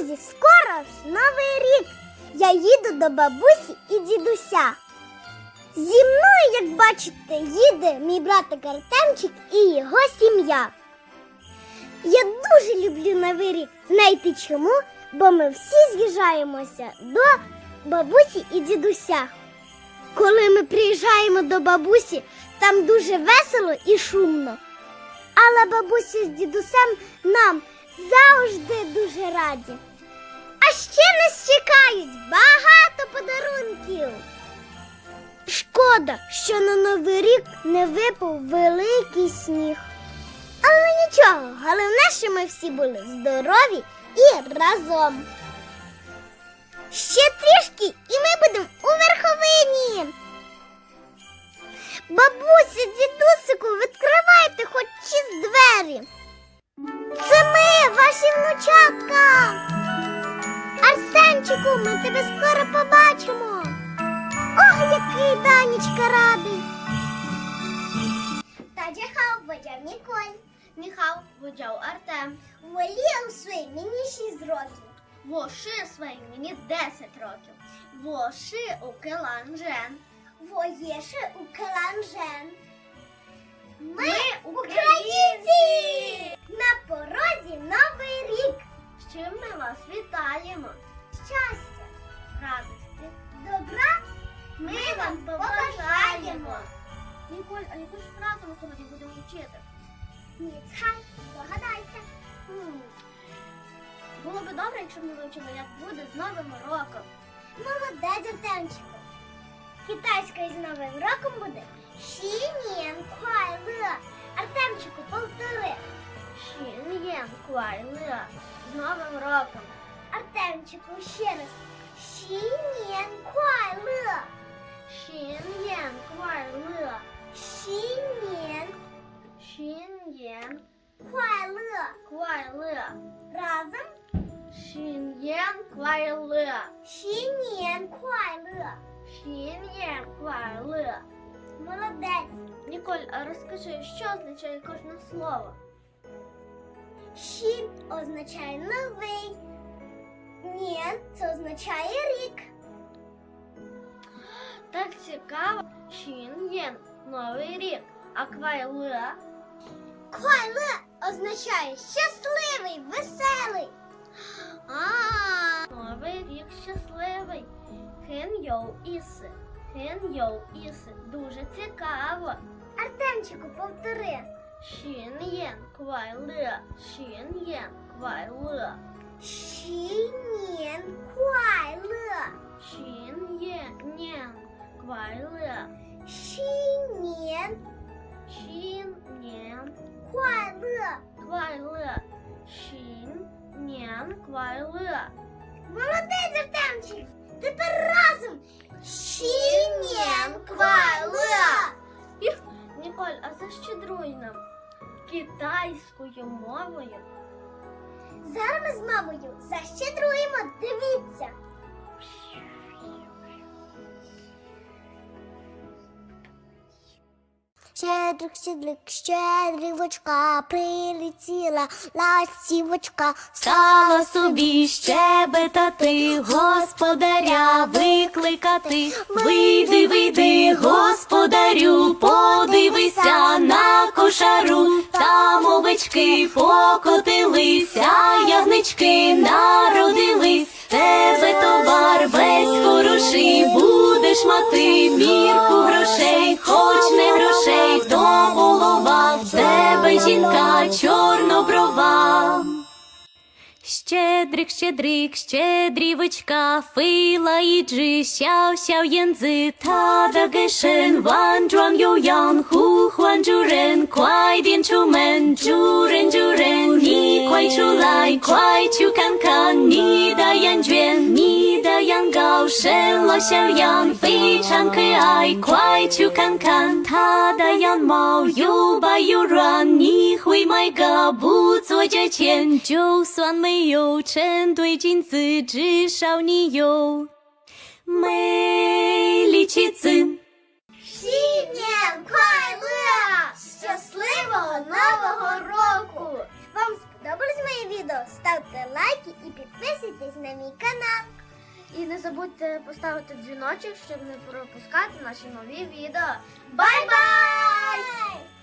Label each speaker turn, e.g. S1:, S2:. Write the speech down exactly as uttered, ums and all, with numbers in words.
S1: Друзі, скоро ж Новий рік. Я їду до бабусі і дідуся. Зі мною, як бачите, їде мій братик Артемчик і його сім'я. Я дуже люблю Новий рік. Знаєте чому? Бо ми всі з'їжджаємося до бабусі і дідуся. Коли ми приїжджаємо до бабусі, там дуже весело і шумно. Але бабуся з дідусем нам завжди дуже раді. А ще нас чекають багато подарунків. Шкода, що на Новий рік не випав великий сніг. Але нічого, головне, що ми всі були здорові і разом. Ще трішки, і ми будемо у верховині. Бабуся, дідусику, відкривайте хоч із двері. Це ми, ваші внучатка. Арсенчику, ми тебе скоро побачимо. Ох, який Данечка радий. Таджахав водяв Ніколь.
S2: Міхал водяв Артем.
S1: Воліям свій мені шість років.
S2: Воши своїм мені десять років. Воши у Келанжен.
S1: Воєше у Келанжен. Ми,
S2: Ми
S1: українці! На порозі Новий рік.
S2: З чим ми вас вітаємо?
S1: Щастя,
S2: Радості.
S1: добра
S2: Ми вам побажаємо. Ніколь, а яку ж фразу ми сьогодні будемо вчити?
S1: Ніцхай, здогадайся.
S2: Хм. Було би добре, якщо б ми вивчили, як буде з Новим роком.
S1: Молодець, Артемчику. Китайською з Новим роком буде Шінєн Куайле. Артемчику, повтори.
S2: Шін'єн Куайле. З Новим роком.
S1: Артемчику, ще раз. Шінєн Куайле.
S2: Шін'єн Куайле.
S1: Шінєн
S2: Шін'єн
S1: Куайле.
S2: Куайле.
S1: Разом.
S2: Шін'єн Куайле.
S1: Шінєн Куайле.
S2: Шін'єн Куайле.
S1: Молодець.
S2: Ніколь, а розкажи, що означає кожне слово?
S1: Шін означає новий. Нєн це означає рік.
S2: Так цікаво. Шін'єн – Новий рік. А Куайле?
S1: Куайле означає щасливий, веселий.
S2: А, Новий рік щасливий. Хен йоу іси. Хен йоу іси. Дуже цікаво.
S1: Артемчику, повтори.
S2: Шін'єн Куайле. Шін'єн Куайле.
S1: Шінєн Куайле.
S2: Шін'єн Куайле.
S1: Шінєн
S2: Шін'єн
S1: Куайле.
S2: Куайле. Шін'єн Куайле.
S1: Молодець, Артемчик. Тепер разом. Шінєн Куайле.
S2: Їх, Ніколь, а защедруй нам китайською мовою.
S1: Зараз ми з мамою защедруємо. Дивіться. Щедрик, щедрик, щедрівочка, прилетіла ластівочка.
S3: Стала собі щебетати, господаря викликати. Вийди, вийди, господарю, подивися на кошару. Там овечки покотилися, ягнички народились. Тебе товар весь хороший, будеш мати мірку грошей. Хоч не грошей, то голова, в тебе жінка чорноброва. Щедрик, щедрик, щедрівочка, фила і джи, сяо сяо янзи, та да гешен, ван джуан ю ян, ху хуан джурен, квай дien чу мен, джурен джурен, ні квай чу лай, квай чу кан кан, ні да ян джуен, ні да ян гao, shen lo xiao yan, 非常可爱，快去看看它的样貌，又白又软，你会买个不做价钱，就算没有成对镜子，至少你有美丽妻子。
S1: Сінєн Куайле! Щасливого Нового року! Вам сподобалось моє відео? Ставте лайки і підписуйтесь на мій канал.
S2: І не забудьте поставити дзвіночок, щоб не пропускати наші нові відео. Бай-бай!